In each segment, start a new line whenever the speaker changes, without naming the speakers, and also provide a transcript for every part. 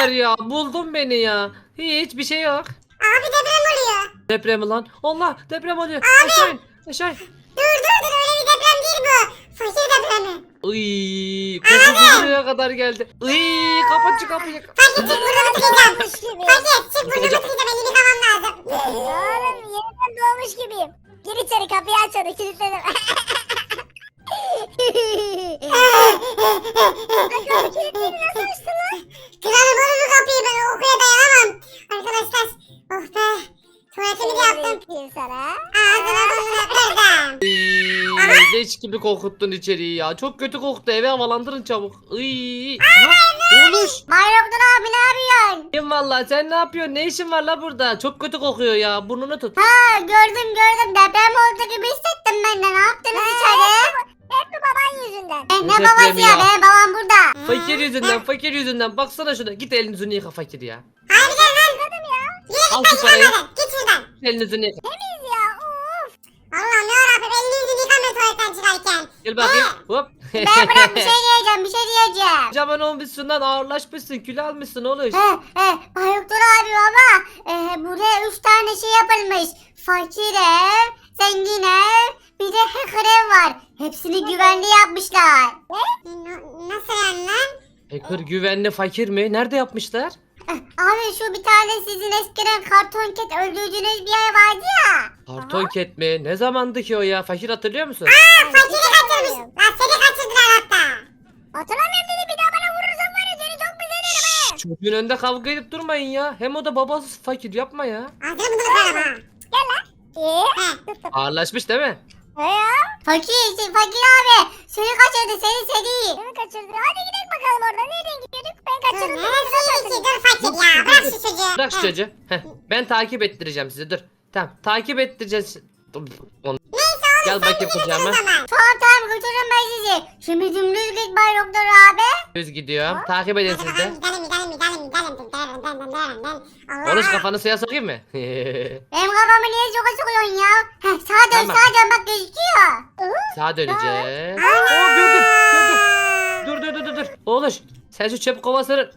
var ya, buldun beni ya. Hiçbir şey yok.
Abi deprem oluyor.
Deprem mi lan? Allah, deprem oluyor.
Abi.
Aşağı in. Aşağı in.
Dur öyle bir deprem değil bu. Fakir depremi.
Iy, kokusu buraya kadar geldi. Iy, kapat şu kapıyı.
Fakir çık burada tıkayacağım.
Doğmuş gibi.
Fakir çık burada tıkayacağım. Elimi yıkamam lazım.
Oğlum yeniden doğmuş gibiyim. Gir içeri kapıyı aç hadi kilitledim. Kapı kilitleri nasıl açtın lan?
Kırarım oğlum bu kapıyı ben okuya dayanamam. Arkadaşlar. Oh be. Tuvaletimi de yaptım.
Yapayım sana.
Ağzına burnuna kırdım.
Iy, leş gibi kokuttun içeriği ya. Çok kötü koktu. Eve havalandırın çabuk. Iy. Aha, Oğluş.
Bayraktar abi ne yapıyorsun?
İyiyim valla. Sen ne yapıyorsun? Ne işin var la burada? Çok kötü kokuyor ya. Burnunu tut.
Ha gördüm deprem oldu gibi hissettim ben de ne yaptınız içeri? Hep bu baban yüzünden.
Ne
Ne babası
depremi
ya
ya?
benim babam burada.
Fakir yüzünden, fakir yüzünden. Baksana şuna. Git elini yüzünü yıka fakir ya.
Harbiden lan.
Al şu parayı.
Git şuradan.
Elini yüzünü yıka.
Temiz ya of.
Allah'ım yarabbim elini yüzünü yıkamıyor tuvaletten çıkarken.
Gel bakayım. Hop.
Ben bırak bir şey diyeceğim.
Kocaman olmuşsun lan, ağırlaşmışsın, kilo almışsın oğlum.
Bayraktar abi baba. Buraya 3 tane şey yapılmış. Fakir ev, zengin ev, bir de hacker ev var. Hepsini güvenli yapmışlar.
Nasıl yani lan?
Hacker güvenli fakir mi? Nerede yapmışlar?
Abi şu bir tane sizin eskiden karton ket öldürdüğünüz bir yer vardı ya.
Karton ket mi? Ne zamandı ki o ya? Fakir hatırlıyor musun?
Fakiri kaçırmış. Lan seni kaçırdılar hatta.
Hatırlamıyorum dedi bir daha bana vurursan var ya seni çok güzel.
Çocuğun önünde kavga edip durmayın ya. Hem o da babası fakir, yapma ya.
Ağzını bunu kırarım ha.
İyi.
Ağırlaşmış değil mi?
Ne ya? Fakir abi. Seni kaçırdı seni. Kimi kaçırdı? Hadi gidelim bakalım orada. Nereden gidiyorduk? Ben
Dur
kaçırdım.
neresi iyi ki? Dur fakir ya. Bırak şu çocuğu.
Bırak şu çocuğu. Heh, ben takip ettireceğim sizi, dur. Tamam, takip ettireceğiz. Onu-
Neyse oğlum
Gel
sen
bakayım
bizi
kucağıma.
getir o zaman.
Tamam götürürüm ben sizi. Şimdi dümdüz git Bay Doktor abi.
Düz gidiyorum. Takip edin
Hadi
siz de.
bakalım gidelim. Allah.
Konuş, kafanı suya sokayım mı?
Benim kafamı niye çok sıkıyorsun ya? Heh, sağa dön
Tamam.
bak gözüküyor.
Sağa döneceğiz. Oo, gördüm. Dur. Oğluş, sen şu çöp kovasını
Ya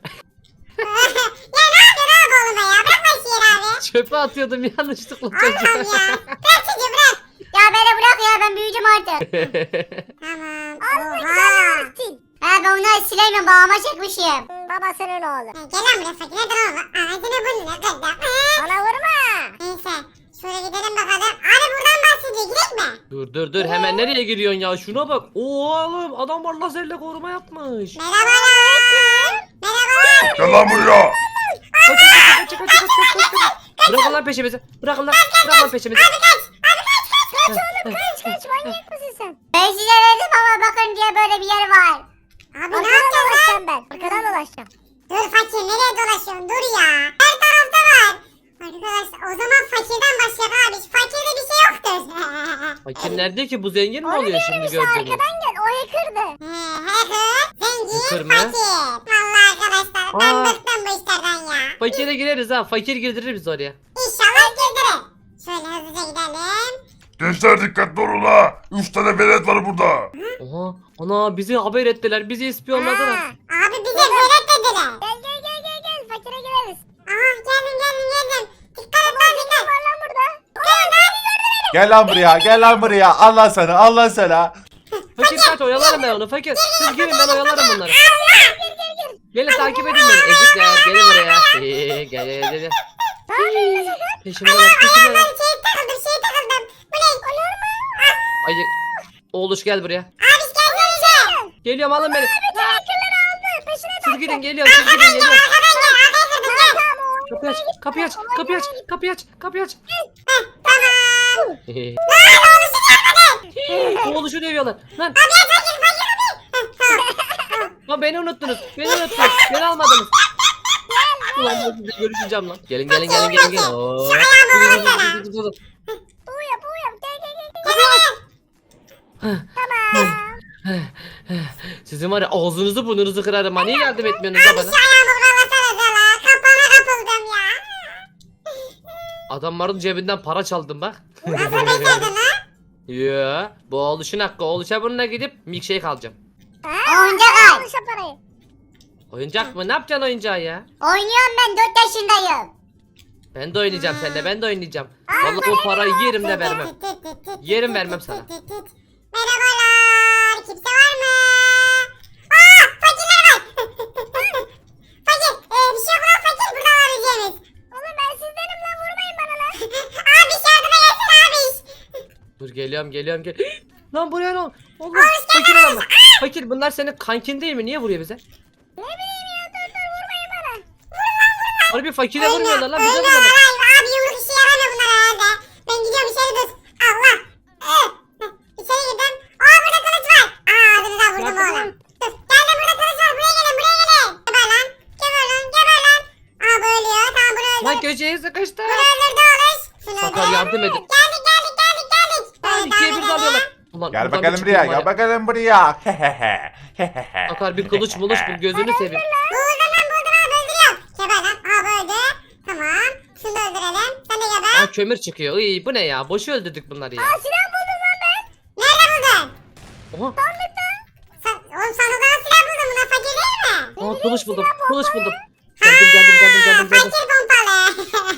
ne yapıyorsun abi oğlum ya? Bırak lan şiir abi.
çöpe atıyordum yanlışlıkla
Allah'ım
çocuğa.
ya. Bırak çocuğu bırak.
Ya beni bırak ya ben büyüyeceğim artık.
Tamam.
Ben onları sileyim babama çekmişim. Babasının oğlu.
Gel lan buraya fakir. Hadi oğlum. Ağzını burnuna kırdım.
Bana vurma.
Neyse. Şöyle gidelim bakalım. Abi buradan bahsediyor. Gidelim mi?
Dur hemen nereye giriyorsun ya, şuna bak. Oğlum, adam var lazerle koruma yapmış.
Merhabalar. Merhabalar.
Gel lan buraya.
Kaç. Bırakın lan peşimizi. Bırakın lan peşimizi.
Kaç manyak mısın sen? Ben size dedim ama bakın diye böyle bir yer var.
Abi ne yapacağız lan?
ben. Arkadan dolaşacağım.
Dur fakir nereye dolaşıyorsun? Dur ya. Her tarafta var. Arkadaşlar o zaman fakirden başlayalım abi. Fakirde bir şey yoktur.
Fakir nerede ki, bu zengin mi oluyor şimdi gördüğünüz?
gel o hacker'dı.
Hacker, zengin,
Hacker mı?
fakir. Vallahi arkadaşlar ben
Aa.
bıktım bu işlerden ya.
Fakire gireriz ha, fakir girdirir biz oraya.
İnşallah girdirir. Şöyle hızlıca gidelim.
Gençler dikkatli olun ha. 3 tane velet var burada.
Oha, ana bizi haber ettiler, bizi ispiyonladılar.
Abi bize velet dediler.
Gel fakire gireriz.
Aha geldim. Dikkat et lan dikkat.
Var lan burada.
Gel lan buraya. Allah sana.
Fakir kaç, oyalarım ben onu fakir. Siz girin, ben oyalarım bunları. Gelin takip edin beni. Ezikler, gelin buraya. Gel. Peşimdeler.
Ben şey takıldım. Bu ne? Olur mu?
Ay, oğluş gel buraya.
Abi gel.
Geliyorum, alın beni.
Hacker'ları aldı. Peşine
Siz gidin, geliyorum.
Arkadan gel.
Kapıyı aç.
Tamam.
Oğluşu dövüyorlar. Lan. Lan beni unuttunuz. Beni almadınız. Ulan ben sizinle görüşeceğim lan. Gelin. Oo.
Bu yap. Gel. Tamam.
Sizin var ya, ağzınızı burnunuzu kırarım ha. Niye yardım etmiyorsunuz da bana?
Ayağımı bağlasana la. Kapana kapıldım ya.
Adamların cebinden para çaldım bak.
Nasıl becerdin lan?
Yo, bu oğluşun hakkı. Oğluşa bununla gidip milkshake alacağım.
Oyuncak al. Al şu parayı.
Oyuncak mı? Ne yapacaksın oyuncağı ya?
Oynuyorum ben 4 yaşındayım.
Ben de oynayacağım seninle. Ben de oynayacağım. Vallahi o parayı yerim de vermem. Yerim vermem sana.
Merhabalar. Kimse var mı? Aa, fakirler var. Fakir. Bir şey yok lan fakir. Burada var yiyeceğimiz.
Oğlum ben sizdenim lan, vurmayın bana lan.
Abi yardıma gelsin abi.
Dur geliyorum. Lan buraya ne oldu? Allah fakir adam. Fakir bunlar senin kankin değil mi? Niye vuruyor bize?
Ne bileyim ya, dur vurmayın bana.
Harbi fakire vurmuyorlar lan bize
Ölme
vuruyorlar.
abi yumruk işe yaramıyor bunlar herhalde. Ben gidiyorum içeri dur. Allah. İçeri girdim. Aa burada kılıç var. Aa dur da vurdum
Nerede
oğlum. Dur geldim burada kılıç var. Buraya gelin. Geber lan. Geber lan. Aa bu ölüyor. Tamam bunu öldür.
Lan köşeye sıkıştı.
Bunu öldürdü oğlum. Şunu
Sakar
öldür.
yardım edin.
Geldik. Böyle
İkiye
devam
bir
edelim.
dalıyorlar. Ulan
Gel
buradan
bakalım
bir
buraya,
çıkayım var
gel
ya.
bakalım buraya.
Sakar bir kılıç bul gözünü seveyim.
Buldum abi öldürüyorum. Geber lan. Aa bu öldü. Tamam. Şunu da öldürelim. Sen de geber.
Aa kömür çıkıyor. İyi bu ne ya? Boşu öldürdük bunları ya.
Silah buldum lan ben.
Nerede buldun?
Oha.
Oğlum sandıktan silah buldun. Bunlar fakir değil mi?
Aa kılıç buldum. Geldim.
Fakir pompalı.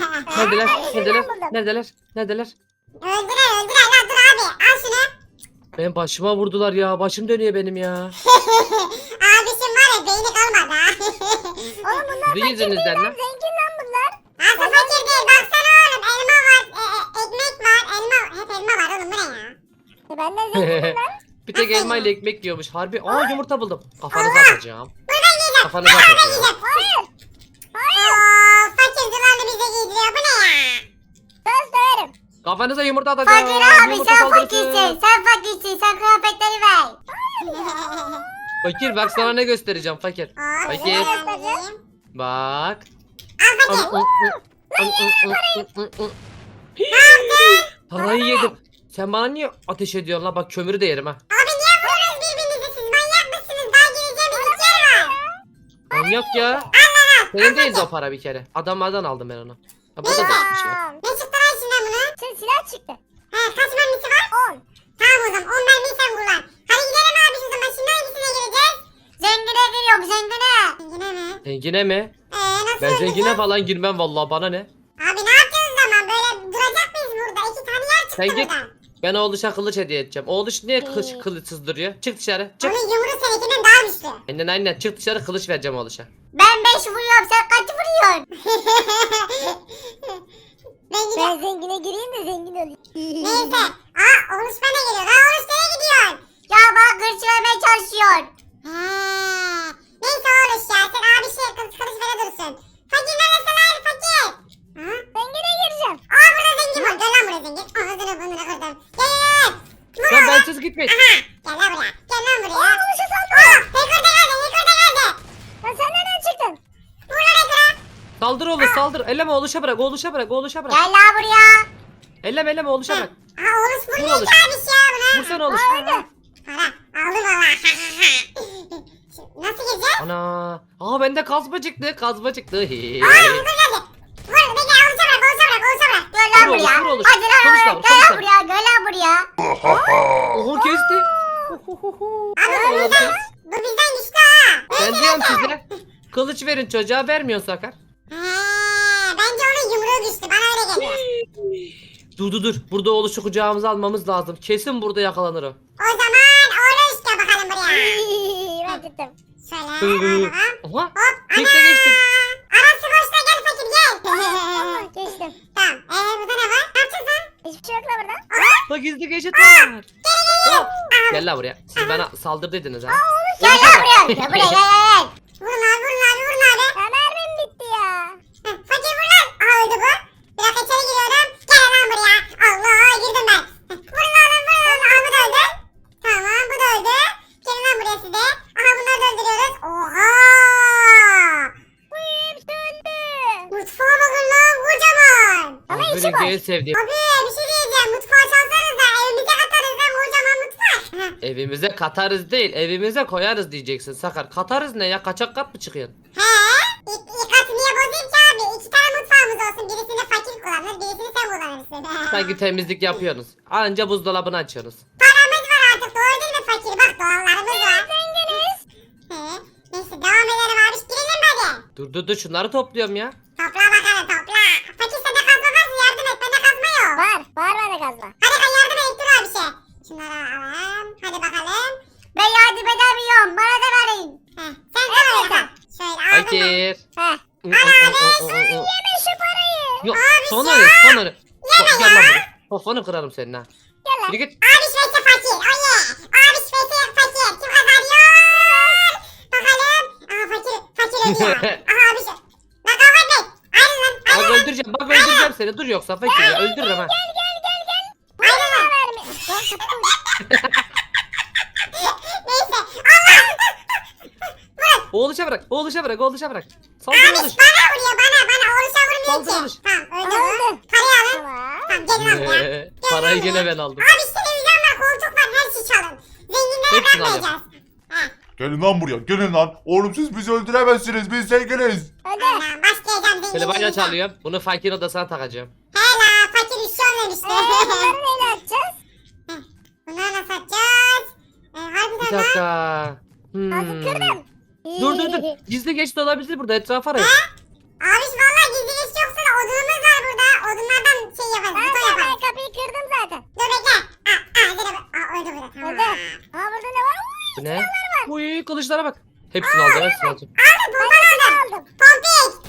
Neredeler?
Öldürer lan dur abi. Al şunu.
Benim başıma vurdular ya. Başım dönüyor benim ya.
Abişim var ya beyni kalmadı ha.
Oğlum bunlar
Sizin yüzünüzden lan.
zengin lan bunlar.
Nasıl fakir değil baksana oğlum. Elma var. Ekmek var. Hep elma var oğlum bu ne ya?
Ben de zenginim lan.
Bir tek elma ile ekmek yiyormuş. Harbi. Aa yumurta buldum. Kafanıza atacağım.
Buradan yiyeceğim.
Kafanıza atacağım.
Hayır.
Ooo fakir zılanı bize giydiriyor bu ne ya?
Söz döverim.
Kafanıza yumurta atacağım.
Fakir abi
Yumurta
sen
saldırısı.
fakirsin. Sen kıyafetleri ver.
Fakir bak sana ne göstereceğim fakir.
Aa,
Fakir.
bize göstereyim.
Bak.
Al fakir.
Parayı yedim. Sen bana niye ateş ediyorsun la? Bak kömürü de yerim ha.
Abi niye vuruyorsunuz birbirinizi siz? Manyak mısınız? Daha gireceğimiz iki yer var.
Manyak ya. Senin değildi o para bir kere. Adamlardan aldım ben onu. Ha, burada da bir şey yok.
Tamam.
Ne çıktı lan içinden bunun?
Şimdi silah çıktı.
He kaç mermisi var?
10.
Tamam o zaman 10 mermiyi sen kullan. Hadi gidelim abi o zaman şimdi hangisine gireceğiz?
Zengine giriyorum zengine.
Zengine mi?
Zengine mi?
Nasıl
Ben zengine
gireceğiz?
falan girmem vallahi bana ne?
Abi ne yapacağız o zaman? Böyle duracak mıyız burada? İki tane yer çıktı
Sen git.
buradan.
Ben oğluşa kılıç hediye edeceğim. Oğluş niye kılıçsız duruyor? Çık dışarı. Çık.
Onun yumruğu seninkinden daha güçlü.
Aynen çık dışarı kılıç vereceğim oğluşa.
Ben 5 vuruyorum, sen kaç vuruyorsun?
Ben gidiyorum.
Ben zengine gireyim de zengin olayım.
Neyse. Aa Oruç bana geliyor. Aa Oruç nereye gidiyorsun?
Ya bak hırs vermeye çalışıyor.
He. Neyse Oruç ya. Sen abi kılıç vere dursun. Fakir neresi lan fakir? Ha?
Zengine gireceğim.
Aa burada zengin var. Gel lan buraya zengin. Ağzını burnunu kırdım. Gel. Vur
Lan
lan.
bensiz gitmeyin.
Aha. Gel lan buraya. Gel lan buraya.
Aa, buluşa saldı.
Aa Hector da geldi.
Lan sen nereden çıktın?
Vur lan Hector'a.
Saldır oğluş saldır. Elleme oğluşa bırak. Oğluşa bırak.
Gel la buraya.
Elleme oğluşa bırak.
Aa Oruç
Vur
vurmuyor
Oruç.
ki abi ya buna.
Vursana oğluş.
Para. Aldım valla. Nasıl gireceğiz?
Ana. Aa bende kazma çıktı. Kazma çıktı.
Aa Hector geldi. Vur. Bekle Oruç'a bırak.
Gel la
Vur oğlum,
buraya.
vur oğlum.
Hadi lan
Konuşma,
oraya. Gel la
konuşma.
buraya. Gel la buraya.
Oho kesti.
Abi bu bizden güçlü ha.
Ben diyorum size. Kılıç verin çocuğa vermiyor Sakar.
He, bence onun yumruğu güçlü. Bana öyle geliyor.
Dur. Burada oğluşu kucağımıza almamız lazım. Kesin burada yakalanır o.
O zaman Oruç gel bakalım buraya.
Ben tuttum.
Şöyle bakalım.
Oha.
Hop.
Tekte geçtim.
Arası boşta gel fakir gel.
Tamam geçtim.
Tamam. Burada ne var? Ne yapacağız lan?
Hiçbir şey yok la burada.
Bak gizli geçit var. Oh. Gel la buraya. Siz bana saldırdıydınız ha.
Gel la buraya. Gel buraya gel.
Vurun abi.
Ya mermim bitti ya.
Fakir vur lan. Aa öldü bu. Bir dakika içeri giriyorum. Gel lan buraya. Allah girdim ben. Vurun oğlum. Aa bu da öldü. Tamam bu da öldü. Gelin lan buraya size. Aha bunları da öldürüyoruz. Oha.
Hepsi öldü.
Mutfağa bakın lan kocaman.
Ama içi
Benim
boş.
en sevdiğim.
Abi bir şey diyeceğim. Mutfağı çalsanız da evimize katarız lan kocaman mutfak.
Evimize katarız değil, evimize koyarız diyeceksin Sakar. Katarız ne ya? Kaçak kat mı çıkıyorsun?
He? İlk katı niye bozayım ki abi? İki tane mutfağımız olsun. Birisini fakir kullanır, birisini sen kullanırsın.
Sanki temizlik yapıyorsunuz. Anca buzdolabını açıyorsunuz.
Paramız var artık doğru değil mi fakir? Bak doğallarımız var. Zenginiz. He. Neyse devam edelim abi.
Dur şunları topluyorum ya.
Topla bakalım topla. Fakir sende kazma varsa yardım et. Bende kazma yok.
Var bende kazma.
Hadi ben yardım et dur abi şey. Şunları alalım. Hadi bakalım.
Ben yardım edemiyorum. Bana da verin.
Heh, sen de öyle kal. Şöyle aldım ben.
Fakir.
Heh. Yeme şu parayı.
Yok
Abi
son
sen-
arı son arı.
Yeme
Gel lan
ya.
buraya. Kafanı kırarım senin ha.
Gel lan.
Yürü git.
Abi şveyse fakir. Oye. Abi şveyse fakir. Kim kazanıyor? Bakalım. Aha fakir ölüyor. Aha abi şey. Lan kavga etmeyin. Ayrılın lan.
Bak
Ayrılın.
öldüreceğim seni. Dur yoksa fakir ya öldürürüm ha.
Ayrılın.
Verme.
Neyse. Allah.
Oğluşa bırak. Oğluşa bırak. Saldır
Abi
oğluş.
bana vuruyor bana. Oruç'a
Saldır
vurmuyor
oğluş.
ki. Tamam öldü
Öldü.
bu. Parayı alın.
Tamam.
Tamam gelin abi ya.
Parayı gene ben aldım.
Abi televizyon var, koltuk var, her şey çalın. Zenginlere
Hepsini
bırakmayacağız. Heh.
Gelin lan buraya gelin lan. Oğlum siz bizi öldüremezsiniz biz zenginiz.
Hadi.
Allah başlayacağım
Telefonu
zenginliğe.
çalıyorum. Bunu fakir odasına takacağım.
Hela fakir üşüyorum demişti.
Bunları neyle atacağız?
Bunları nasıl satacağız?
Bir
Harbiden lan.
dakika.
Nasıl kırdım?
Dur. Gizli geçit olabilir burada. Etrafa arayın.
Abi valla gizli geç yoksa da odunumuz var burada. Odunlardan şey yaparız,
Ben
buton yaparız.
kapıyı kırdım zaten.
Dur bekle. Öldü burada tamam.
Öldü. Aa burada ne var?
Bu ne? Uy kılıçlara bak. Hepsini alacağım.
Aldım bombalı aldım.
Aldım.
Pompik.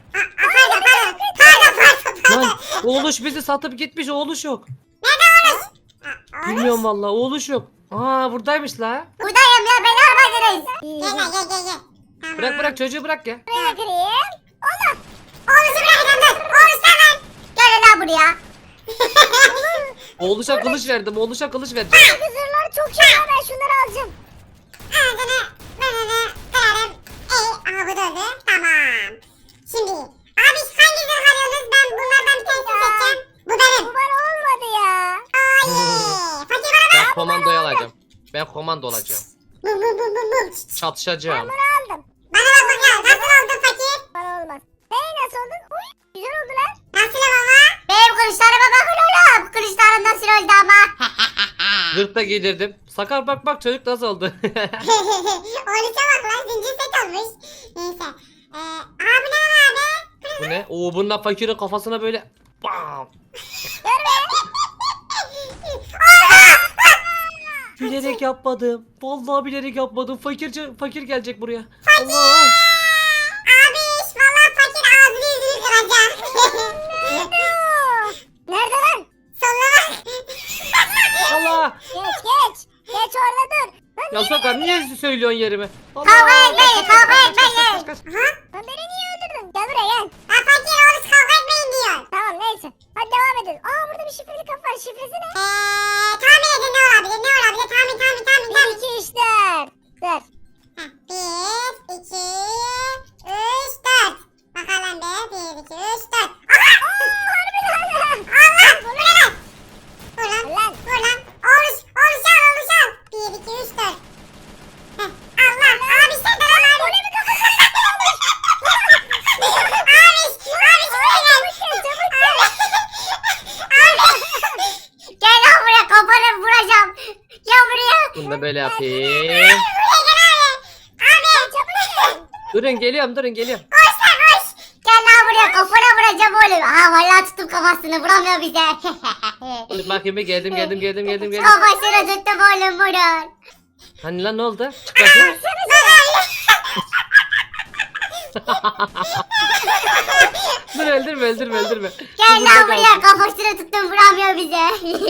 Pardon.
Lan oğluş bizi satıp gitmiş. Oğluş yok.
Nerede oğlum?
Bilmiyorum vallahi. Oğluş yok. Aa buradaymış la.
Buradayım ya beni almadınız.
Gel. Tamam.
Bırak çocuğu bırak ya.
Buraya kırayım. Allah.
Oğlumu bırakacağım dur. Oğlum sen.
Gelin lan buraya.
Oğluşa kılıç verdim. Oğluşa kılıç verdim.
Bu zırhlar çok şey ya ben şunları alacağım.
Ağzını burnunu kırarım. Aha bu da öldü. Tamam. Şimdi abi hangi zırh arıyorsunuz? Ben bunlardan bir tanesini seçeceğim. Bu
Bu
benim.
bana olmadı ya.
Fakir bana
Ben komandoyu alacağım. Ben komando olacağım.
bum.
Ben
Çatışacağım.
bunu aldım.
Bana bak bakalım. Nasıl oldun fakir?
Bana olmaz. Nasıl oldun? Uy güzel oldu lan.
Nasıl baba?
Benim kılıçlarıma bakın oğlum. Kılıçlarım nasıl oldu ama.
Zırt da giydirdim. Sakar bak çocuk nasıl oldu?
Oğluşa bak lan. Zincir set olmuş. Neyse. Abi ne var abi?
Bu ne? Oo bununla fakirin kafasına böyle. Bam. Bilerek yapmadım. Vallahi bilerek yapmadım. Fakir gelecek buraya. Allah.
Abi valla fakir ağzını yüzünü kıracak.
Nerede lan?
Sonuna bak.
Allah.
Geç orada dur. Lan,
Ya Sakar niye söylüyorsun yerime? Allah.
Kavga etmeyin, kavga
Kaç.
etmeyin.
Aha.
lan beni niye öldürdün? Gel buraya gel.
Ha fakir oğluş kavga etmeyin diyor.
Tamam neyse. Hadi devam edin. Aa burada bir şifreli kapı var. Şifresi ne?
Tahmin edin ne olabilir? Tahmin.
1, 2, 3, 4. Dur.
1, 2, 3, 4. Bakalım be. 1, 2, 3, 4. Aha! Allah! Bu ne lan? Vur lan. Oğluş al. 1, 2, 3, 4. Allah! Abi sen de lan abi. Bu ne bir kafa? Abi şuraya gel.
Gel lan buraya kafanı vuracağım. Gel buraya.
Bunu da böyle yapayım. Durun geliyorum.
Gel lan buraya kafana vuracağım oğlum. Aa vallahi tuttum kafasını vuramıyor bize.
Dur bakayım bir geldim.
Kafasını tuttum oğlum vurun.
Hani lan ne oldu? Çık bakayım. Dur öldürme.
Gel
Burada
lan buraya
kalsın.
kafasını tuttum vuramıyor bize.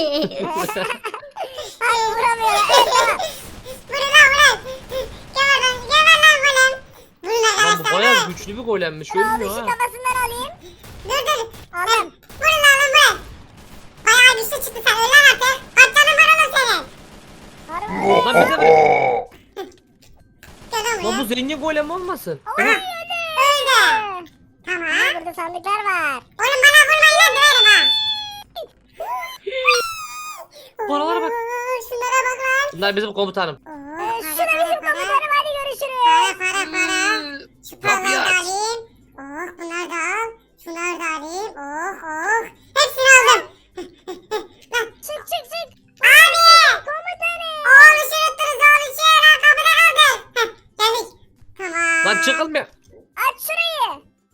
Ay vuramıyor.
Lan bu bayağı güçlü bir golemmiş. Ölmüyor ha.
Kafasından alayım.
Dur.
Aldım.
Vurun lan. Bayağı güçlü çıktı sen. Öl lan artık. Kaç canın var oğlum senin?
Harbi.
Lan bize bak.
Gel lan
Lan bu
buraya.
zengin golem olmasın?
Öldü. Tamam.
Burada sandıklar var.
Oğlum bana vurmayın lan döverim ha.
Paralara bak.
Şunlara bak lan.
Bunlar bizim komutanım.
Şuna bizim komutanım hadi görüşürüz.
Para. Şu
Kapıyı
paraları da
aç.
alayım. Bunları da al. Şunları da alayım. Hepsini aldım. Lan.
Çık.
Abi.
Komutanım.
Oğluşu unuttunuz oğluşu. Lan kapıda kaldı. Geldik. Tamam.
Lan çıkılmıyor.
Aç şurayı.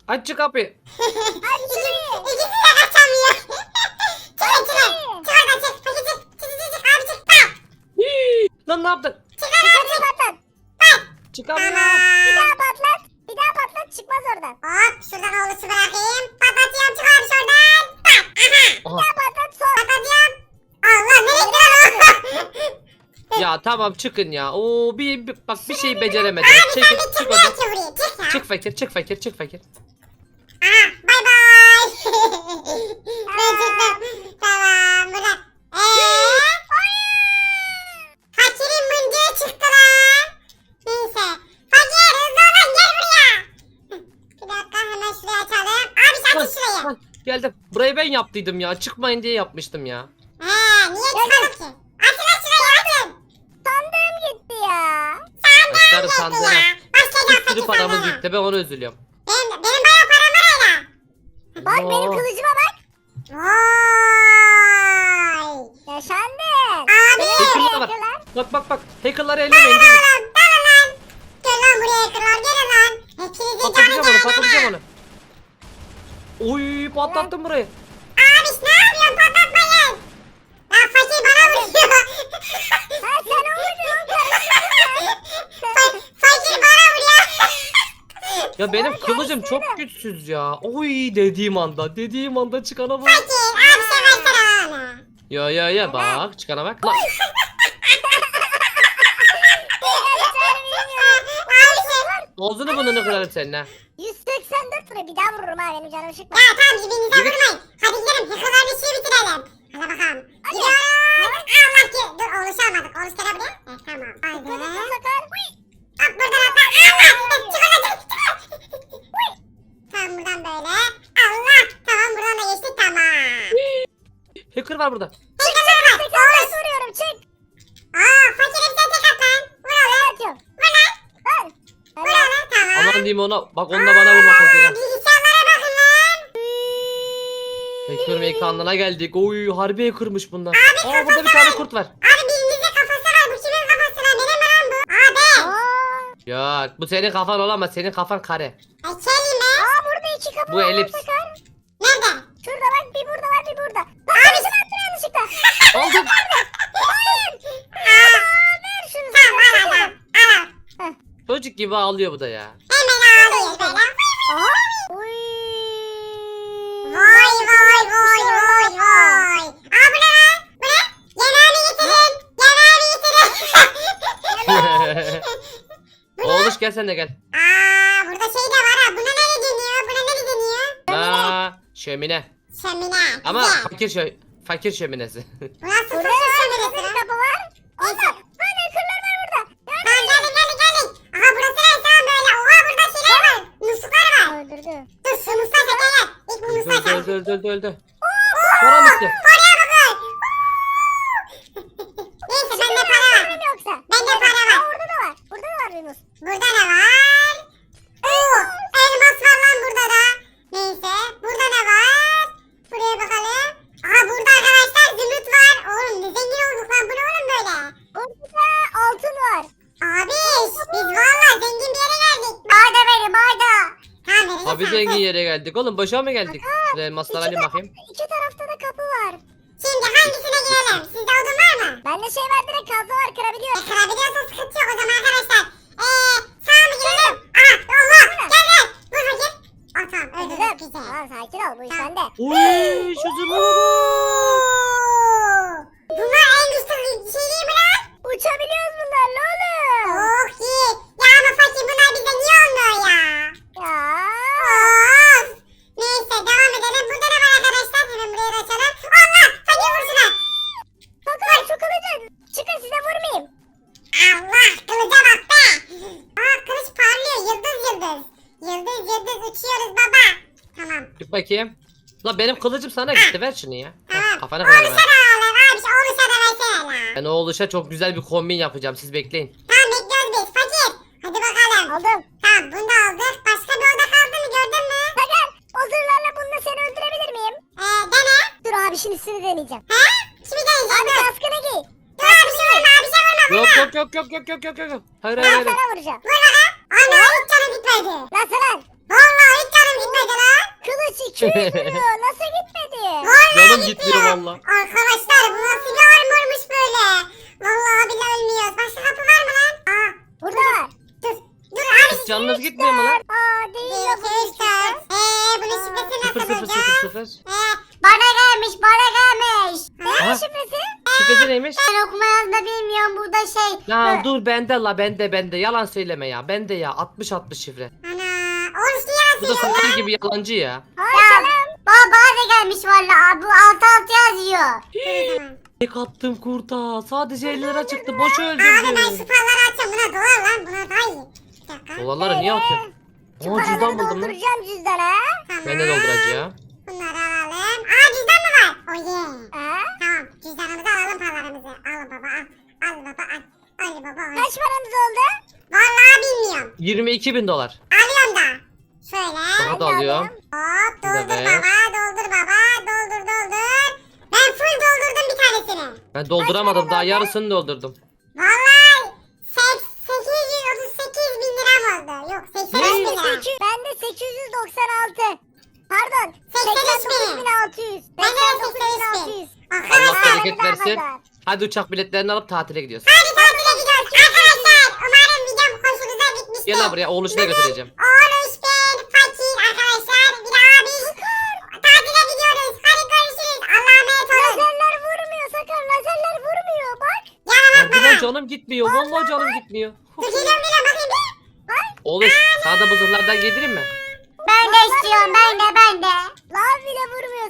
Aç şu kapıyı.
İkisi de kaçamıyor. Çık içine. Çık oradan çık. Fakir çık. Çık abi çık. Bak.
Hii, lan ne yaptın?
Çık oradan çık.
Patlat.
Çıkamıyorum.
Bir daha patlat. Bir daha patlat çıkmaz oradan.
Hop şuradan oğlusu bırakayım. Patlatıyorum çık abi şuradan. Bak. Aha.
Aha.
Patlat son.
Patlatıyorum. Allah nereye gidiyor o?
Ya tamam çıkın ya. Oo bak bir şey beceremedim.
Abi
Çek,
sen de
çık
çıkmıyor
oradan.
ki buraya. Çık ya.
Çık fakir, çık fakir, çık fakir.
Aha bay bay. Ben çıktım. Tamam buradan. Fakirin mıncığı çıktı lan. Neyse. Fakir hızlı olun gel buraya. Bir dakika hemen şurayı açalım. Abi sen
Hah,
aç şurayı.
hah, geldim. Burayı ben yaptıydım ya. Çıkmayın diye yapmıştım ya.
Niye çıkalım ki? Açın lan şurayı açın.
Sandığım gitti ya.
Başlar
Gitti
sandığına.
ya. Başlayacağım
Bir sürü
fakir
paramız
sandığına.
gitti. Ben ona üzülüyorum.
Benim bayağı param var hala.
Bak benim
Oo.
kılıcıma bak.
Vay.
Yaşandı.
Abi.
Hacker'lar var.
Hacker'lar.
Bak. Hacker'ları ellemeyin. Değil mi?
Dalın lan. Gel lan buraya kırlar gelin lan. Hepinizin canı
Patlatacağım onu,
gelmene.
patlatacağım onu. Oy patlattım burayı.
Abi ne yapıyorsun patlatmayın. Lan fakir bana vuruyor.
Ha sen o vurdun.
Fakir bana vuruyor.
Ya benim kılıcım çok güçsüz ya. Oy dediğim anda çıkana bak.
Fakir abi sen versene bana.
Ya bak çıkana bak. Lan, ağzını burnunu kırarım senin ha.
184 lira bir daha vururum ha benim canım sıkma.
Ya tamam birbirinize vurmayın. Hadi gidelim hıkılar bir şey bitirelim. Hadi bakalım. Gidiyoruz. Allah ki. Dur oğluş almadık. Oğluş gel buraya. Tamam. Haydi. Hop buradan atla. Allah. Çık oradan çık. Tamam buradan böyle. Allah. Tamam buradan da geçtik tamam.
Hacker var burada.
Hıkılar var. Oğluş.
Vuruyorum çık.
Fakir bir sen tek at lan. Vur oğlum.
Atıyorum.
Vur lan.
Al.
Vur oğlum. Tamam.
Aman diyeyim ona. Bak onda bana vurma fakir ha.
Bilgisayarlara bakın lan.
Hacker mekanına geldik. Oy harbi hackermış bunlar. Aa burada bir tane kurt var.
Abi birinizde kafası var. Bu kimin kafası lan? Benim mi lan bu? Abi.
Aa.
Ya bu senin kafan olamaz. Senin kafan kare.
Kelime.
Aa burada iki kapı
Bu
var.
elips.
Sakar.
Nerede?
Şurada bak bir burada var bir burada. Bak abi şunu attım yanlışlıkla.
Aldım.
Hayır. Ver şunu.
Tamam al al al.
Çocuk gibi ağlıyor bu da ya.
Hemen ağlıyor böyle.
Aha. Uy.
Vay vay vay vay vay. Aa bu ne lan? Bu ne? Yemeğimi getirin. Yemeğimi getirin.
Oğluş gel sen de gel.
Burada şey de var ha. Buna ne deniyor? Buna ne deniyor?
Aa şömine.
Şömine.
Ama
Güzel.
fakir şöminesi.
Bu nasıl
Burada
fırça
şöyle
şöminesi
bir
lan?
kapı var. Allah. Böyle kırlar var burada.
Tamam gelin. Aha burası ne? Tamam böyle. Oha burada şeyler var. Musluklar var.
Öldürdü.
Dur şu musluğa çek gel. İlk bu musluğa çek.
Öldü. Param bitti.
Paraya bakın. Neyse bende para var.
Benim yoksa.
Bende para var.
Aa, orada da var. Burada da var bir muz.
Burada ne var? Oo, elmas var lan burada da. Neyse, burada ne var? Buraya bakalım. Aha burada arkadaşlar zümrüt var. Oğlum ne zengin olduk lan. Bu ne oğlum böyle?
Burada altın var.
Abi biz valla zengin bir yere geldik.
Barda benim barda.
Tamam verin.
Abi zengin yere geldik oğlum. Boşa mı geldik? Şuraya elmaslar alayım bakayım.
İki tarafta da kapı var.
Şimdi hangisine girelim? Sizde odun var mı?
Bende şey var direkt kazma var kırabiliyor.
Kırabiliyorsa sıkıntı yok o zaman arkadaşlar. Sağa mı girelim? Aha Allah gel. Vur bakayım. Aa tamam öldürdük güzel.
Tamam sakin ol bu iş bende.
Oy şu zırhlara bak.
Bunlar en güçlü şey değil mi lan?
Uçabiliyoruz bunlarla oğlum.
Oh iyi. Ya ama fakir bunlar bize niye olmuyor ya?
Ya.
Of. Neyse devam edelim. Burada ne var arkadaşlar? Hemen buraya da açalım. Allah fakir vur şuna.
Bakın şu kılıcı. Çıkın size vurmayayım.
Allah kılıca bak be. Aa kılıç parlıyor yıldız. Yıldız uçuyoruz baba. Tamam.
Git bakayım. La benim kılıcım sana gitti. Ver şunu ya.
Tamam.
Kafana kırarım
Oğluşa
ha.
da alalım abi. Oğluşa da versene la.
Ben o oluşa çok güzel bir kombin yapacağım. Siz bekleyin.
Tamam bekliyoruz biz fakir. Hadi bakalım.
Aldım.
Tamam bunu da aldık. Başka bir oda kaldı mı gördün mü?
Bakın o zırhlarla bununla seni öldürebilir miyim?
Dene.
Dur abi şimdi sizi deneyeceğim.
He? Kimi deneyeceğim?
Abi
Dur.
kaskını giy.
Dur abi bir şey vurma abi bir şey vurma.
Yok. Hayır.
Ben sana vuracağım.
Vur bakalım. Ana hiç canım gitmedi.
Nasıl lan?
Vallahi hiç canım gitmedi.
Kılıç 200 vuruyor. Nasıl gitmedi?
Canım gitmiyor valla.
Arkadaşlar bu nasıl bir armormuş böyle? Vallahi bile ölmüyoruz. Başka kapı var mı lan? Aa
Burada.
dur. Dur abi.
Canınız gitmiyor mu lan?
Aa değil
Bir,
yok.
iki, üç, dört. Bunun şifresini
Sıfır
nasıl
sıfır
bulacağız?
sıfır sıfır.
Bana gelmiş bana gelmiş.
Ha?
Ne şifresi?
Şifresi neymiş?
Ben okuma yazma bilmiyorum burada şey.
Ya dur bende la bende. Yalan söyleme ya. Bende ya 60 şifre.
Ana. Oğlum işte yalan
Bu da
söylüyor
fakir
ya.
gibi yalancı ya.
Ya bana da gelmiş valla. Bu alt yazıyor.
Dur o zaman.
Tek attım kurta. Sadece 50 lira çıktı. Boş
Abi ben şu
öldürdüm.
paraları açacağım. Buna dolar lan. Buna daha iyi. Bir dakika.
Dolarları niye atıyorsun? Aa cüzdan buldum lan.
Dolduracağım cüzdana.
Tamam.
Ben de dolduracağım.
Bunları alalım. Aa cüzdan mı var? Oh yeah.
Ha?
Tamam. Cüzdanımızı alalım paralarımızı. Al baba al. Al baba al. Al baba al.
Kaç paramız oldu?
Vallahi bilmiyorum.
22.000 dolar.
Alıyorum da. Şöyle.
Sana da alıyorum.
Hop doldur
Bir de
baba. Doldur baba. Doldur. Ben full doldurdum bir tanesini.
Ben dolduramadım daha yarısını doldurdum.
Vallahi 838 bin liram oldu. Yok 83 bin lira.
Ben de 896. Pardon.
89.600. Ben de
89.600.
Allah
Arkadaşlar.
bereket versin. Hadi uçak biletlerini alıp tatile gidiyoruz.
Hadi tatile gidiyoruz. Arkadaşlar umarım videom hoşunuza gitmiştir.
Gel lan buraya oğluşuna götüreceğim.
Oğluş ben fakir arkadaşlar. Bir de abi. Tatile gidiyoruz. Hadi görüşürüz. Allah'a emanet olun.
Lazerler vurmuyor Sakar. Lazerler vurmuyor bak.
Yalan
Hadi
atma
lan
lan.
canım gitmiyor. Vallahi canım gitmiyor.
Dur geliyorum bakayım bir.
Oğluş sana da bu zırhlardan giydireyim mi?
Ben de istiyorum ben de. Lav bile vurmuyor